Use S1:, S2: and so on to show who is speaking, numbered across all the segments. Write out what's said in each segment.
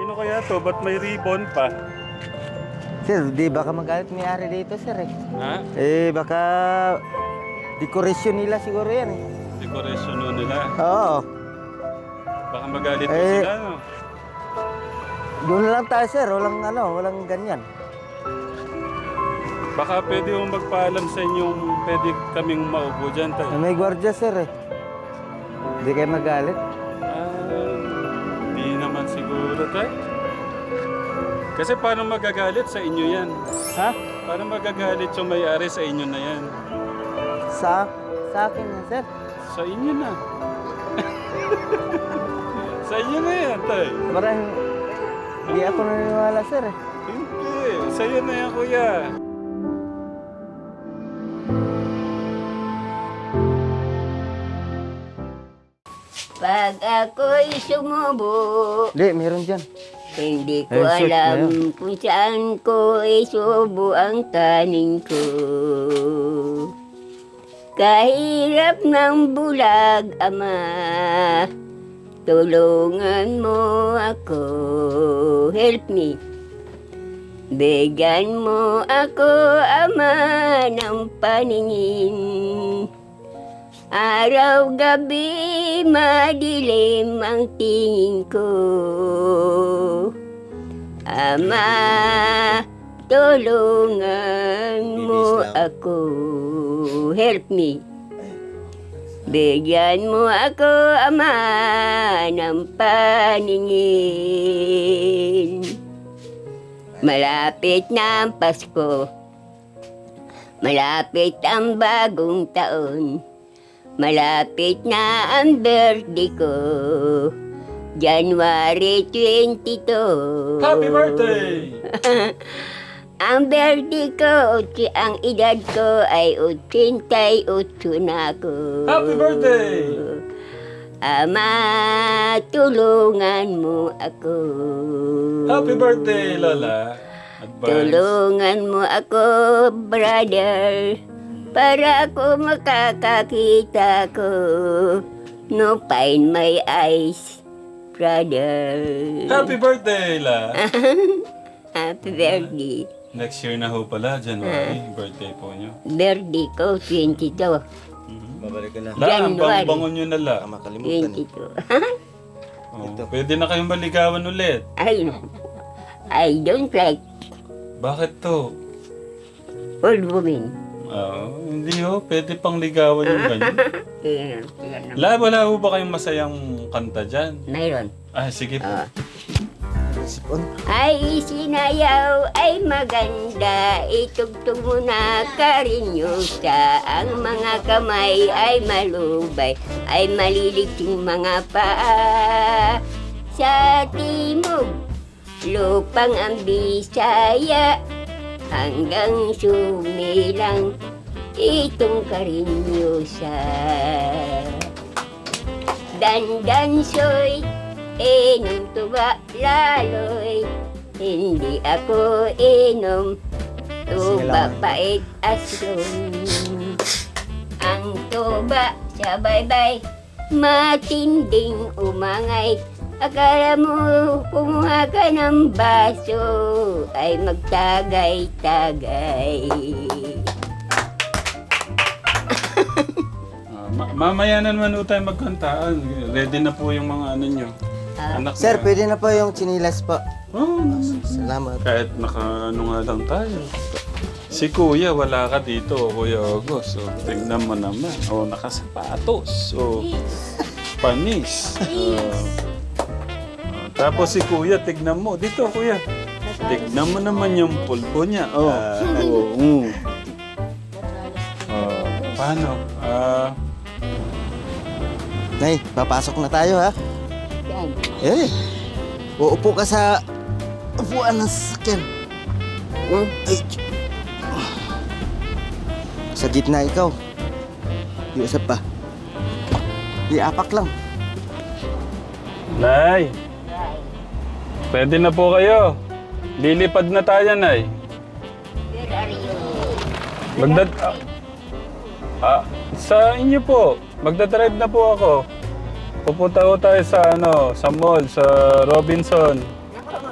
S1: Sino kaya to? Ba't may ribbon pa?
S2: Sir, di baka magalit may-ari dito, sir eh.
S1: Ha?
S2: Baka dekorasyon nila siguro yan eh.
S1: Decoration nun nila.
S2: Oo.
S1: Baka magalit po
S2: Eh,
S1: sila, no?
S2: Doon lang tayo, sir. Walang ganyan.
S1: Baka pwede mong magpaalam sa inyong pwede kaming maupo dyan, tayo.
S2: May gwardiya, sir eh. Hindi kayo magalit.
S1: Di naman siguro, tayo. Kasi paano magagalit sa inyo yan?
S2: Ha?
S1: Paano magagalit yung may-ari sa inyo na yan?
S2: Sa akin na, sir.
S1: Sa inyo na. Sa inyo na yan, tayo.
S2: Parang hindi ako naniniwala, sir eh.
S1: Hindi. Sa'yo na yan, kuya.
S3: Pag ako'y sumubo,
S2: Hindi, meron dyan.
S3: hindi ko
S2: Ay, shoot na
S3: alam kung saan ko isubo ang taning ko. Kahirap ng bulag, Ama, tulungan mo ako, help me. Bigyan mo ako, Ama, ng paningin. Araw-gabi madilim ang tingin ko. Ama, tulungan mo ako. Help me. Bigyan mo ako, Ama, ng paningin. Malapit na ang Pasko. Malapit ang bagong taon. Malapit na ang birthday ko, January 22.
S1: Happy birthday!
S3: Ang birthday ko, ang edad ko ay 88 na ako.
S1: Happy birthday!
S3: Ama, tulungan mo ako.
S1: Happy birthday, Lola. Advance.
S3: Tulungan mo ako, brother. Para ako makakakita ko. No pain my eyes, brother.
S1: Happy birthday, La.
S3: Happy birthday.
S1: Next year na ho pala, January, birthday po nyo.
S3: Birthday ko, 22.
S2: Babalik ka na.
S1: La, ang
S3: January.
S1: bango nyo na, La.
S2: Makalimutan eh.
S3: 22.
S1: Oh, pwede na kayong maligawan ulit.
S3: I don't like
S1: Bakit to?
S3: old women.
S1: Hindi ho. Pwede pang ligawan yung ganyan. La, wala ho ba kayong masayang kanta dyan?
S3: Mayroon.
S1: Sige po.
S2: Sipon.
S3: Ay sinayaw ay maganda, itugtog mo na karinyosa. Ang mga kamay ay malubay, ay maliligting mga paa. Sa timog, lupang ang Bisaya, hanggang sumilang itong karinyosa. Dandansoy, inom tuba laloy, hindi ako inom tuba pait aslong. Ang tuba sa baybay, matinding umangay. Akala mo kumuha ka ng baso ay magtagay-tagay.
S1: Mamaya na naman ho tayo magkantaan. Ready na po yung mga ano nyo. Anak
S2: Sir,
S1: na.
S2: pwede na po yung chinilas po.
S1: Oh,
S2: Salamat.
S1: kahit naka-ano nga lang tayo. Si Kuya, wala ka dito, Kuya August. So, tingnan mo naman. Nakasapatos. Panis. Tapos si Kuya, tignan mo. Dito, Kuya. Tignan mo naman yung pulpo niya. Paano?
S2: Nay, papasok na tayo ha.
S3: Yan.
S2: Uupo ka sa upuan ng sasakyan. Ay, sa gitna ikaw. Iusap pa. Iapak lang.
S1: Nay, pwede na po kayo. Lilipad na tayo, Nay.
S3: Where are you?
S1: Sa inyo po. Magdadrive na po ako. Pupunta ko tayo sa sa mall, sa Robinson.
S3: Naku,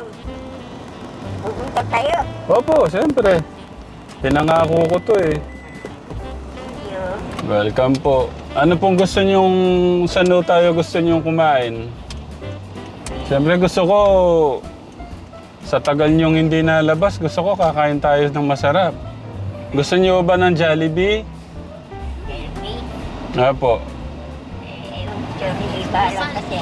S3: Ito tayo.
S1: Opo, siyempre. Pinangako ko to eh.
S3: Thank you.
S1: Welcome po. Ano pong gusto nyong, saan daw tayo gusto nyong kumain? Siyempre gusto ko, sa tagal nyong hindi nalabas, gusto ko kakain tayo ng masarap. Gusto niyo ba ng Jollibee?
S3: Jollibee.
S1: Apo.
S3: Yung Jollibee balang kasi.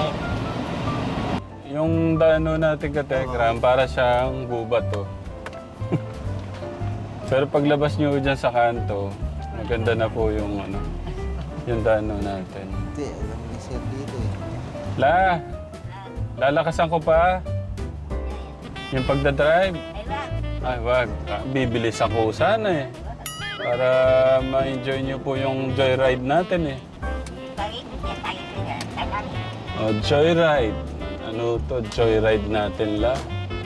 S1: Yung dano natin katekram, para siyang gubat to. Pero paglabas nyo dyan sa kanto, maganda na po yung ano, yung dano natin.
S2: Hindi, alam ni Sir dito eh.
S1: Lalakasan ko pa. Yung pagdadrive.
S3: Ay, wag.
S1: Ay, wag. Bibilis ako sana eh. Para ma-enjoy nyo po yung joyride natin eh.
S3: Bakit niya tayo sila? Tagal.
S1: Oh, joyride. Ano to? Joyride natin la.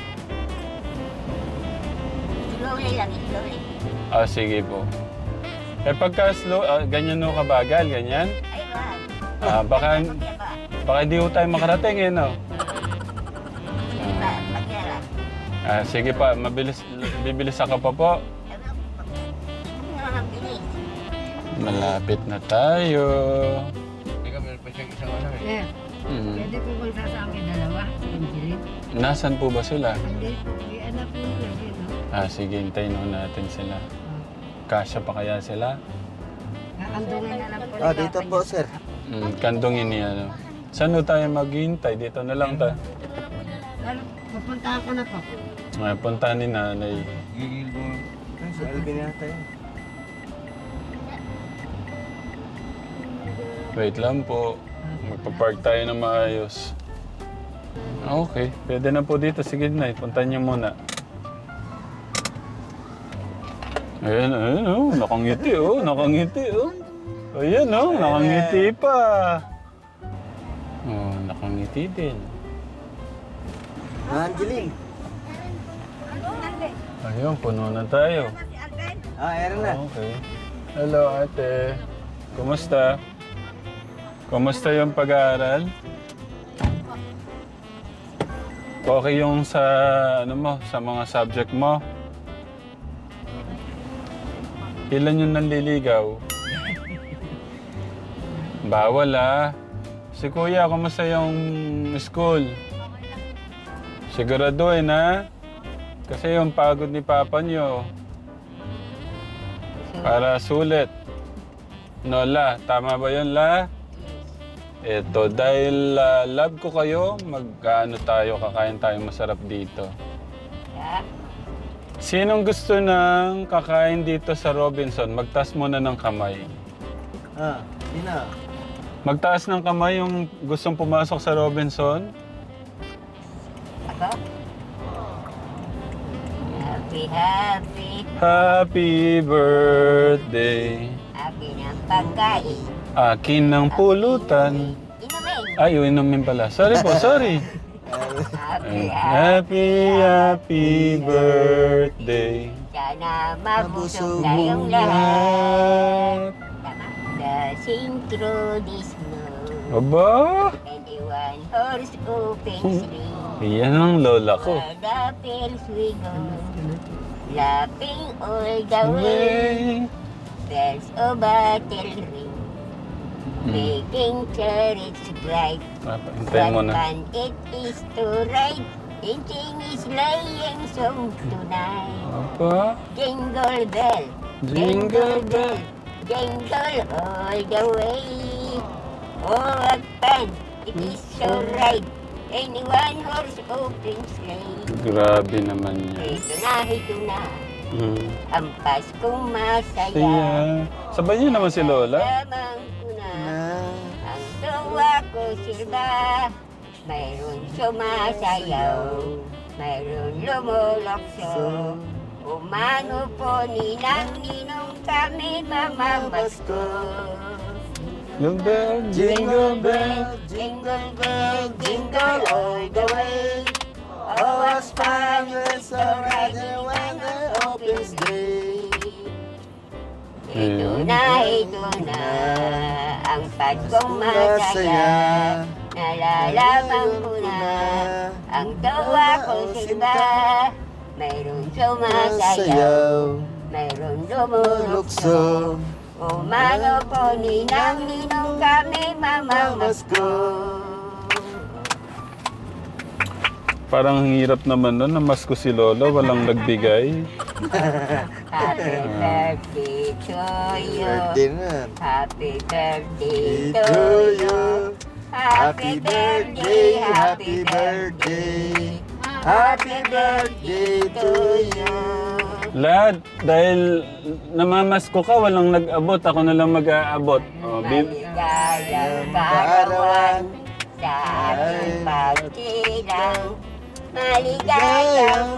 S3: Slowly lang, slowly.
S1: Ah, sige po. Eh pagka slow, ganyan no kabagal, ganyan?
S3: Ay, wag.
S1: Baka
S3: Diba?
S1: hindi ko tayo makarating eh, no?
S3: Diba? Pagyarap.
S1: Sige pa, bibilis ako pa po.
S3: Hindi naman ang bilis.
S1: Malapit na tayo.
S4: Sir,
S1: Mhm.
S4: pwede po bang sasama yung dalawa? Angeline?
S1: Nasaan po ba sila?
S4: Hindi po. May anak po lagi, no?
S1: Sige, hintayin ho natin sila. Kasya pa kaya sila?
S4: Kakandungin na lang po.
S2: Ah, dito po, Sir.
S1: Kandungin niya, no? Saan ho tayo maghihintay? Dito na lang ta.
S4: Lalo, pupuntahan ko na po.
S1: Punta ni nanay.
S2: Gigil mo. Sa Alvin yata yun.
S1: Wait lang po. Magpa-park tayo na maayos. Okay, pwede na po dito. Sige na, punta niyo muna. Ayan, oh, nakangiti oh, nakangiti oh. Ayan oh, nakangiti pa. Oh, nakangiti din.
S2: Angeline.
S1: Ayun, puno na tayo.
S2: Ayan na.
S1: Okay. Hello ate. Kumusta? Kumusta yung pag-aaral? Okay yung sa ano mo, sa mga subject mo? Ilan yung nanliligaw? Bawal ah. Si kuya, kumusta yung school? Siguraduhin ha? Kasi yung pagod ni papa nyo. Para sulit. No, La. Tama ba yun, La? Eto, dahil love ko kayo, mag-ano tayo, kakain tayo masarap dito.
S3: Yeah.
S1: Sinong gusto ng kakain dito sa Robinson? Magtaas muna ng kamay.
S2: Sino?
S1: Magtaas ng kamay yung gustong pumasok sa Robinson.
S3: Ako? Happy, happy,
S1: Happy birthday.
S3: happy ng pagkain.
S1: Akin ng pulutan.
S3: Inumin.
S1: Ay, inumin pala. Sorry po, sorry.
S3: Happy, happy.
S1: Happy birthday.
S3: Sana mabusog tayong lahat. Tama. Dancing through the snow.
S1: Aba,
S3: 21 horse open sleigh.
S1: yan ang lola ko.
S3: Where the bells we go. Laughing all the way. Bells of battle ring. Making chariots bright.
S1: Hintayin mo
S3: What
S1: na.
S3: fun it is to ride. Singing is sleighing song tonight.
S1: Aba,
S3: Jingle bell,
S1: jingle bell.
S3: jingle all the way. Oh, what fun it is to ride. Anyone horse open sleigh.
S1: Grabe naman yan.
S3: Ito na. Ang Paskong masaya.
S1: Siya. Sabay niyo naman si Lola.
S3: Lamang ko na. Ang tuwa ko sila. Mayroon sumasayaw. Mayroon lumulokso. Umano po ninang-ninong kami mamamasko.
S1: Jingle bell, jingle bell.
S3: Jingle bell, jingle all the way. Oh, what's fun it's so riding when the opens day. Ito na, ang Paskong masaya. Nalalaman ko na, ang tawa ko simba. mayroong sumasayaw,
S2: Sayaw,
S3: mayroong lumulukso.
S2: lukso,
S3: Umano po ninang-ninong kami mamamasko.
S1: Parang ang hirap naman nun, namasko si Lolo, walang nagbigay.
S3: Happy birthday to you.
S2: birthday na.
S3: Happy birthday to
S2: To
S3: you.
S2: you.
S3: Happy birthday, happy birthday. Happy birthday to you.
S1: Lad, dahil namamasko ka, walang nag-abot, ako na lang mag-aabot. Oh,
S3: Maligayang kaarawan sa ating pagkilang. Maligayang,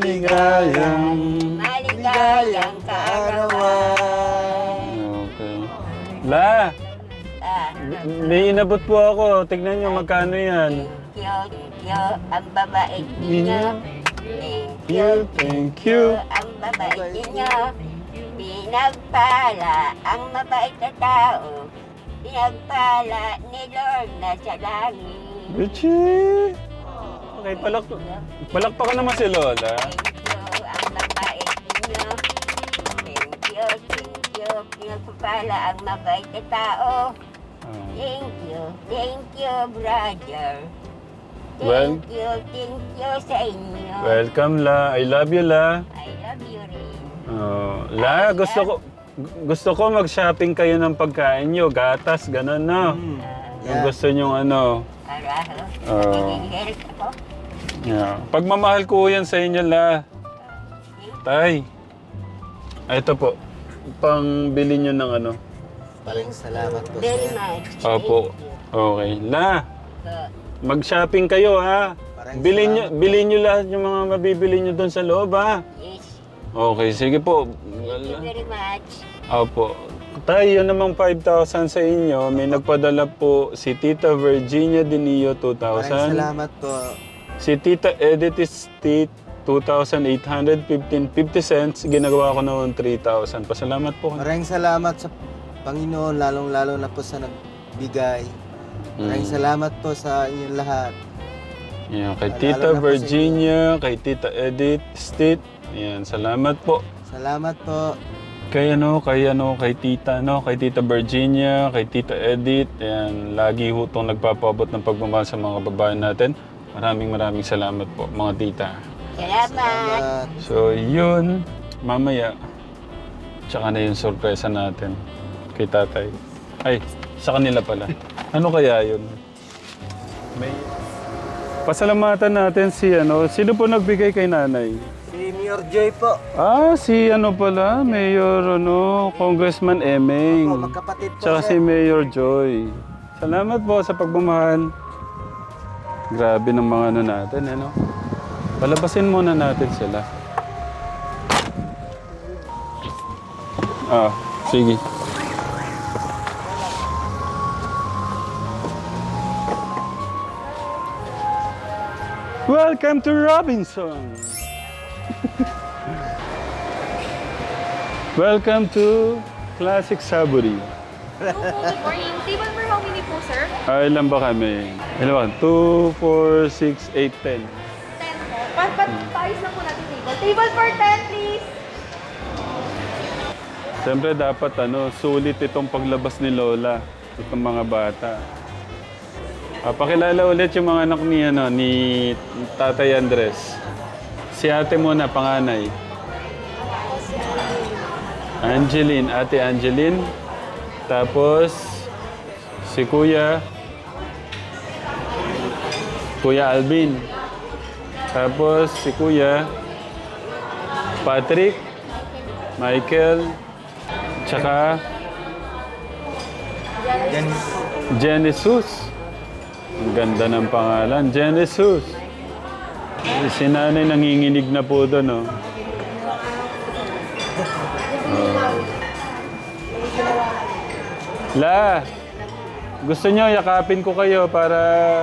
S3: maligayang kaarawan.
S1: Okay. La,
S3: Ah,
S1: may inabot po ako. Tignan nyo magkano yan.
S3: thank you, ang babait ninyo.
S1: Thank you.
S3: Ang babait ninyo. Pinagpala ang mabait na tao. Pinagpala ni Lord na sa langit.
S1: Richie! Okay, palakpakan naman si Lola.
S3: Thank you, ang mabait ninyo. Thank you. Pinagpala ang mabait na tao.
S1: Ah.
S3: Thank you, brother.
S1: Well-
S3: Thank you sa inyo.
S1: Welcome, La. I love you, La.
S3: I love you rin.
S1: Oh, La, gusto ko mag-shopping kayo ng pagkain nyo. Gatas, gano'n, no? Yung
S2: Yeah.
S1: gusto nyong ano.
S3: Araho.
S1: Oo.
S3: Nagigilip ako.
S1: Yeah. Pagmamahal ko yan sa inyo, La. Tay. Ito po. Pang-bili nyo ng ano.
S2: Maraming salamat po,
S3: Very
S2: sir.
S3: much.
S1: Opo. Okay. La, mag-shopping kayo, ha?
S2: Maraming
S1: Bilhin nyo lahat yung mga mabibili nyo doon sa loob, ha?
S3: Yes.
S1: Okay, sige po.
S3: Thank you very much.
S1: Opo. Tay, yun namang 5,000 sa inyo. May nagpadala po si Tita Virginia Dinio,
S2: Maraming
S1: 2,000.
S2: salamat po.
S1: Si Tita Edith State, 2,815.50 cents. Ginagawa ko noon 3,000. Pasalamat po.
S2: Maraming salamat sa Panginoon, lalong-lalo na po sa nagbigay. Maraming salamat po sa inyong lahat.
S1: Yeah, kay
S2: Lalo
S1: Tita
S2: na po sa
S1: Virginia, kay Tita Edith State. Yan, salamat po.
S2: Salamat po.
S1: Kay Tita, kay Tita Virginia, kay Tita Edith. Yan, lagi ho itong nagpapabot ng pagmamahal sa mga babae natin. Maraming salamat po, mga tita.
S3: Salamat.
S1: So, yun. Mamaya, tsaka na yung sorpresa natin kay tatay. Ay, sa kanila pala. Ano kaya yun? May... Pasalamatan natin si sino po nagbigay kay nanay?
S2: Si Mayor Joy po.
S1: Ah, si pala, Mayor Congressman Emeng.
S2: Opo, magkapatid po,
S1: Tsaka si
S2: sir.
S1: Mayor Joy. Salamat po sa pagmamahal. Grabe ng mga natin, Palabasin muna natin sila. Ah, sige. Welcome to Robinson. Welcome to Classic Saburi.
S5: Good morning. Table for how many po, sir?
S1: Ilan ba kami? Ilan ba? 2, 4, 6, 8, 10.
S5: 10 po. Paayos na po natin table. Table for 10, please.
S1: Siyempre dapat sulit itong paglabas ni Lola. Itong mga bata. Pakilala ulit yung mga anak ni Tatay Andres. Si ate muna, panganay. Angeline, ate Angeline. Tapos, si Kuya Alvin. Tapos, si Kuya Patrick, Michael, tsaka Genesis. Ang ganda ng pangalan, Genesis. Si nanay nanginginig na po doon, La, gusto nyo yakapin ko kayo para...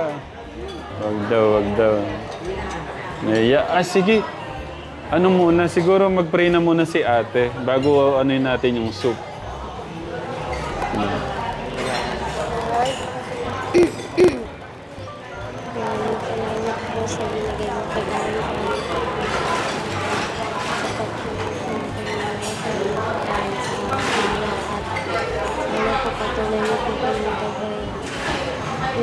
S1: Wag daw. Sige. Ano muna, siguro mag-pray na muna si ate bago natin yung soup.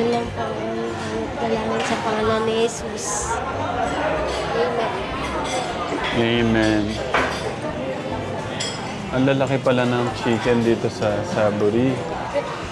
S6: Yun lang po ang dalangin sa pangalan ni Jesus. Amen.
S1: Amen. Ang lalaki pala ng chicken dito sa Saburi.